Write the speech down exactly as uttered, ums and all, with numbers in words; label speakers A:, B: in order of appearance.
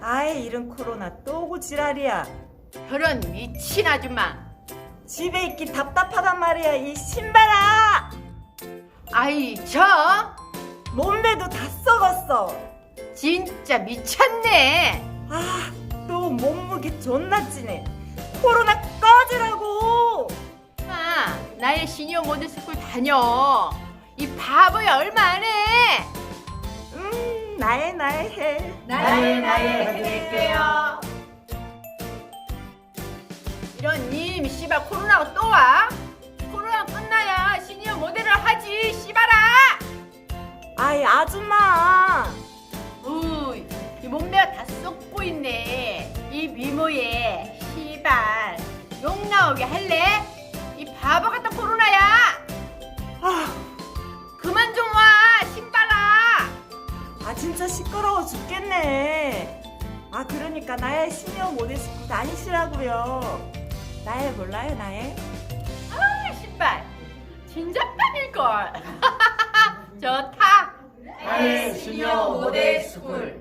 A: 아이 이런 코로나 또 오고 지랄이야.
B: 저런 미친 아줌마.
A: 집에 있기 답답하단 말이야 이 신발아.
B: 아이 저
A: 몸매도 다 썩었어.
B: 진짜 미쳤네.
A: 아 또 몸무게 존나 찌네. 코로나 꺼지라고.
B: 아, 나의 시니어 모델스쿨 다녀. 이 바보야 얼마 안 해.
A: 음 나의 나의 해.
B: 나의 나의 해드릴게요. 이런 님 씨발 코로나가 또 와? 코로나 끝나야 시니어 모델을 하지 씨발아.
A: 아이 아줌마.
B: 우이 이 몸매가 다 썩고 있네. 이 미모에 씨발 욕 나오게 할래? 이 바보 같은 코로나야.
A: 아,
B: 그만 좀 와 신발아.
A: 아 진짜 시끄러워 죽겠네. 아 그러니까 나의 시니어 모델 스쿨 다니시라고요. 나의 몰라요 나의?
B: 아 신발 진작반일걸. 좋다.
C: 나의 시니어 모델 스쿨